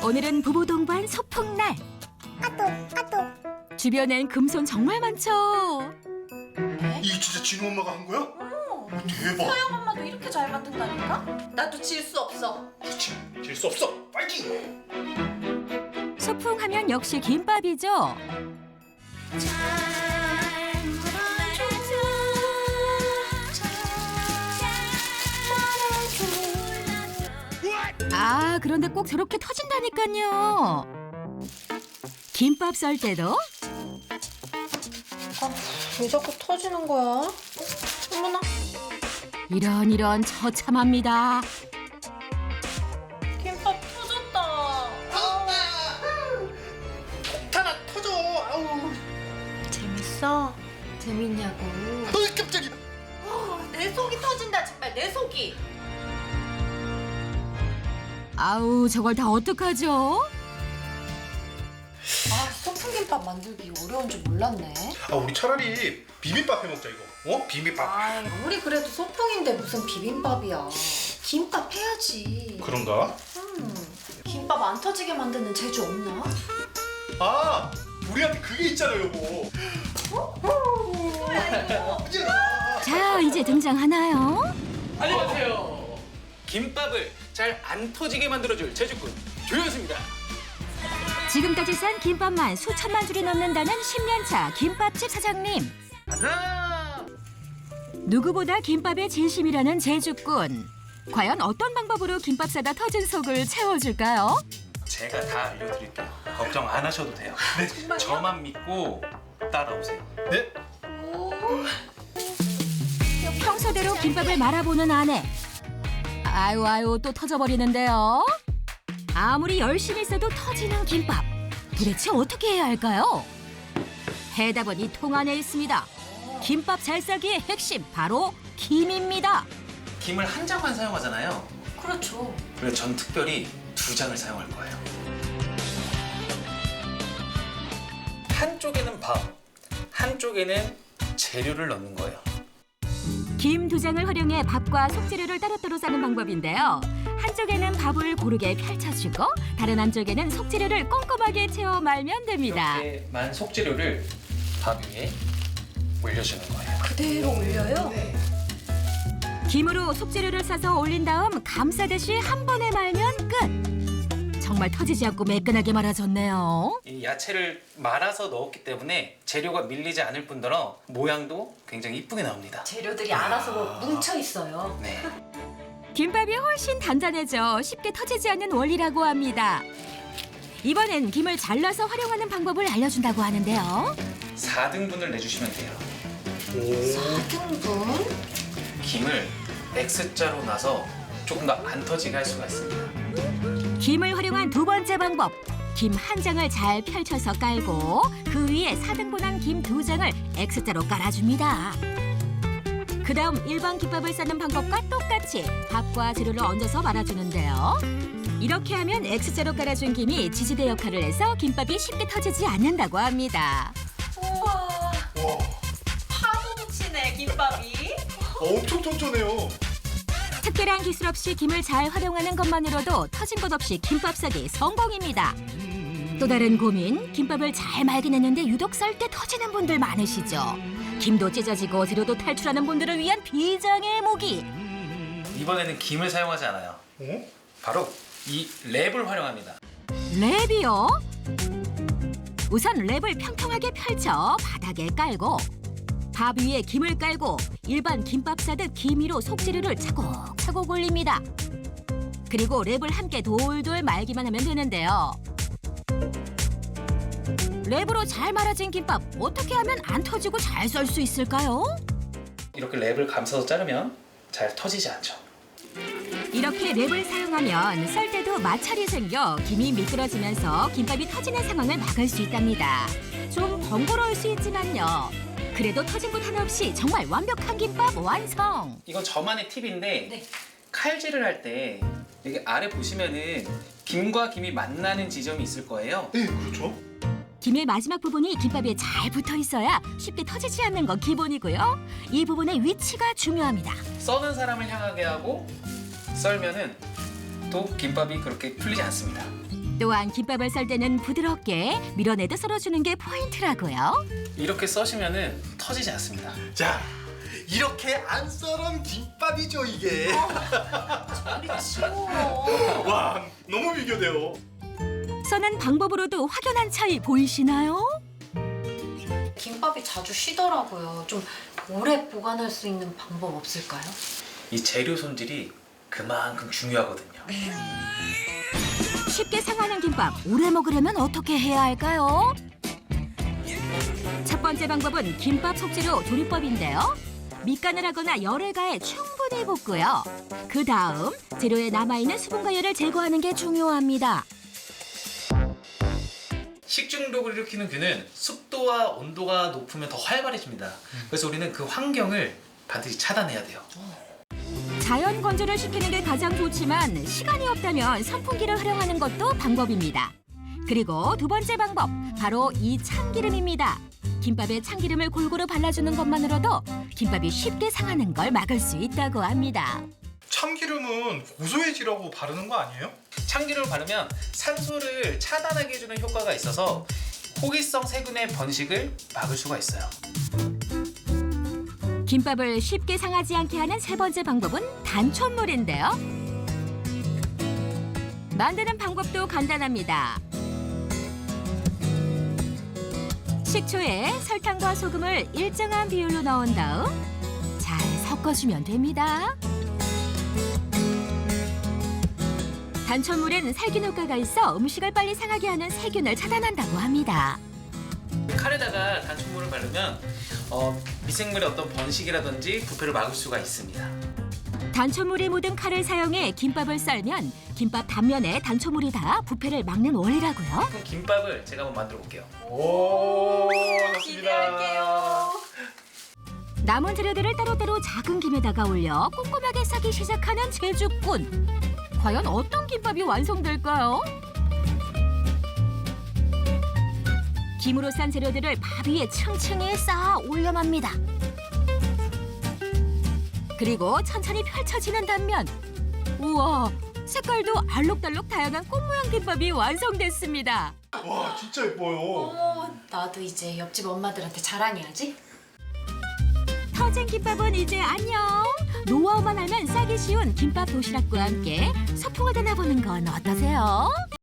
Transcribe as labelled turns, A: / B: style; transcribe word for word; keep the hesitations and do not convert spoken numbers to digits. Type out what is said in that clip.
A: 오늘은 부부 동반 소풍날.
B: 까똑 까똑.
A: 주변엔 금손 정말 많죠.
C: 이게 진짜 진우 엄마가 한 거야?
D: 어.
C: 대박.
D: 서영 엄마도 이렇게 잘 만든다니까? 나도 질 수 없어.
C: 그렇지. 질 수 없어. 파이팅.
A: 소풍하면 역시 김밥이죠. 아, 그런데 꼭 저렇게 터진다니까요. 김밥 썰 때도
D: 아, 왜 자꾸 터지는 거야? 어머나.
A: 이런 이런 처참합니다.
D: 김밥 터졌다.
C: 폭탄아 터져. 아우.
D: 재밌어? 재밌냐고.
C: 어이 깜짝이야.
D: 내 속이 터진다 정말 내 속이.
A: 아우, 저걸 다 어떡하죠?
D: 아, 소풍김밥 만들기 어려운 줄 몰랐네.
C: 아 우리 차라리 비빔밥 해 먹자 이거. 어? 비빔밥.
D: 아, 아무리 그래도 소풍인데 무슨 비빔밥이야. 김밥 해야지.
C: 그런가?
D: 음, 김밥 안 터지게 만드는 재주 없나?
C: 아 우리한테 그게 있잖아 여보.
D: 뭐야 이거?
A: 자, 이제 등장하나요?
E: 안녕하세요. 김밥을 잘 안 터지게 만들어줄 제주꾼 조현수입니다.
A: 지금까지 싼 김밥만 수천만 줄이 넘는다는 십 년 차 김밥집 사장님.
E: 하나.
A: 누구보다 김밥에 진심이라는 제주꾼. 과연 어떤 방법으로 김밥 싸다 터진 속을 채워줄까요?
E: 제가 다 알려드릴게요. 걱정 안 하셔도 돼요. 네. 저만 믿고 따라오세요.
C: 네?
A: 평소대로 김밥을 말아보는 아내. 아유 아유 또 터져버리는데요. 아무리 열심히 써도 터지는 김밥. 도대체 어떻게 해야 할까요? 해답은 이 통 안에 있습니다. 김밥 잘 싸기의 핵심 바로 김입니다.
E: 김을 한 장만 사용하잖아요.
D: 그렇죠.
E: 그래서 전 특별히 두 장을 사용할 거예요. 한쪽에는 밥, 한쪽에는 재료를 넣는 거예요.
A: 김 두 장을 활용해 밥과 속재료를 따로따로 싸는 방법인데요. 한쪽에는 밥을 고르게 펼쳐주고 다른 한쪽에는 속재료를 꼼꼼하게 채워 말면 됩니다.
E: 이렇게만 속재료를 밥 위에 올려주는 거예요.
D: 그대로 올려요?
A: 김으로 속재료를 싸서 올린 다음 감싸듯이 한 번에 말면 끝. 정말 터지지 않고 매끈하게 말아졌네요.
E: 이 야채를 말아서 넣었기 때문에 재료가 밀리지 않을 뿐더러 모양도 굉장히 이쁘게 나옵니다.
D: 재료들이 알아서 뭐 뭉쳐 있어요.
E: 네.
A: 김밥이 훨씬 단단해져 쉽게 터지지 않는 원리라고 합니다. 이번엔 김을 잘라서 활용하는 방법을 알려준다고 하는데요.
E: 사 등분을 내주시면 돼요.
C: 오.
D: 사 등분?
E: 김을 X자로 나서 조금 더 안 터지게 할 수가 있습니다.
A: 김을 활용한 두 번째 방법. 김 한 장을 잘 펼쳐서 깔고 그 위에 사 등분한 김 두 장을 X자로 깔아줍니다. 그 다음 일반 김밥을 싸는 방법과 똑같이 밥과 재료를 얹어서 말아주는데요. 이렇게 하면 X자로 깔아준 김이 지지대 역할을 해서 김밥이 쉽게 터지지 않는다고 합니다.
D: 우와,
C: 와.
D: 파도 치네 김밥이.
C: 엄청 쫀쫀해요.
A: 특별한 기술 없이 김을 잘 활용하는 것만으로도 터진 것 없이 김밥 싸기 성공입니다. 또 다른 고민, 김밥을 잘 말긴 했는데 유독 썰 때 터지는 분들 많으시죠? 김도 찢어지고 재료도 탈출하는 분들을 위한 비장의 무기.
E: 이번에는 김을 사용하지 않아요.
C: 어?
E: 바로 이 랩을 활용합니다.
A: 랩이요? 우선 랩을 평평하게 펼쳐 바닥에 깔고 밥 위에 김을 깔고 일반 김밥 싸듯 김 위로 속재료를 차곡차곡 올립니다. 그리고 랩을 함께 돌돌 말기만 하면 되는데요. 랩으로 잘 말아진 김밥 어떻게 하면 안 터지고 잘 썰 수 있을까요?
E: 이렇게 랩을 감싸서 자르면 잘 터지지 않죠.
A: 이렇게 랩을 사용하면 썰 때도 마찰이 생겨 김이 미끄러지면서 김밥이 터지는 상황을 막을 수 있답니다. 좀 번거로울 수 있지만요. 그래도 터진 곳 하나 없이 정말 완벽한 김밥 완성!
E: 이건 저만의 팁인데
D: 네.
E: 칼질을 할 때 여기 아래 보시면은 김과 김이 만나는 지점이 있을 거예요.
C: 네 그렇죠.
A: 김의 마지막 부분이 김밥에 잘 붙어 있어야 쉽게 터지지 않는 건 기본이고요. 이 부분의 위치가 중요합니다.
E: 써는 사람을 향하게 하고 썰면은 또 김밥이 그렇게 풀리지 않습니다.
A: 또한 김밥을 썰 때는 부드럽게 밀어내듯 썰어주는 게 포인트라고요.
E: 이렇게 써시면은 터지지 않습니다.
C: 자, 이렇게 안 썰은 김밥이죠 이게.
D: 우리 치워.
C: 와, 너무 비교돼요.
A: 써는 방법으로도 확연한 차이 보이시나요?
D: 김밥이 자주 쉬더라고요. 좀 오래 보관할 수 있는 방법 없을까요?
E: 이 재료 손질이 그만큼 중요하거든요.
A: 쉽게 상하는 김밥 오래 먹으려면 어떻게 해야 할까요? 첫 번째 방법은 김밥 속재료 조리법인데요. 밑간을 하거나 열을 가해 충분히 볶고요. 그 다음 재료에 남아있는 수분과 열을 제거하는 게 중요합니다.
E: 식중독을 일으키는 균은 습도와 온도가 높으면 더 활발해집니다. 그래서 우리는 그 환경을 반드시 차단해야 돼요.
A: 자연 건조를 시키는 게 가장 좋지만 시간이 없다면 선풍기를 활용하는 것도 방법입니다. 그리고 두 번째 방법, 바로 이 참기름입니다. 김밥에 참기름을 골고루 발라주는 것만으로도 김밥이 쉽게 상하는 걸 막을 수 있다고 합니다.
C: 참기름은 고소해지라고 바르는 거 아니에요?
E: 참기름을 바르면 산소를 차단하게 해주는 효과가 있어서 호기성 세균의 번식을 막을 수가 있어요.
A: 김밥을 쉽게 상하지 않게 하는 세 번째 방법은 단촛물인데요. 만드는 방법도 간단합니다. 식초에 설탕과 소금을 일정한 비율로 넣은 다음 잘 섞어주면 됩니다. 단촛물엔 살균 효과가 있어 음식을 빨리 상하게 하는 세균을 차단한다고 합니다.
E: 칼에다가 단촛물을 바르면 어, 미생물의 어떤 번식이라든지 부패를 막을 수가 있습니다.
A: 단촛물이 묻은 칼을 사용해 김밥을 썰면 김밥 단면에 단촛물이 닿아 부패를 막는 원리라고요.
E: 그럼 김밥을 제가 한번 만들어 볼게요.
C: 오, 좋습니다.
D: 기대할게요.
A: 남은 재료들을 따로따로 작은 김에다가 올려 꼼꼼하게 싸기 시작하는 제주꾼. 과연 어떤 김밥이 완성될까요? 김으로 싼 재료들을 밥 위에 층층이 쌓아 올려맙니다. 그리고 천천히 펼쳐지는 단면. 우와, 색깔도 알록달록 다양한 꽃 모양 김밥이 완성됐습니다.
C: 와, 진짜 예뻐요.
D: 어머, 나도 이제 옆집 엄마들한테 자랑해야지.
A: 터진 김밥은 이제 안녕. 노하우만 알면 싸기 쉬운 김밥 도시락과 함께 소풍을 떠나보는 건 어떠세요?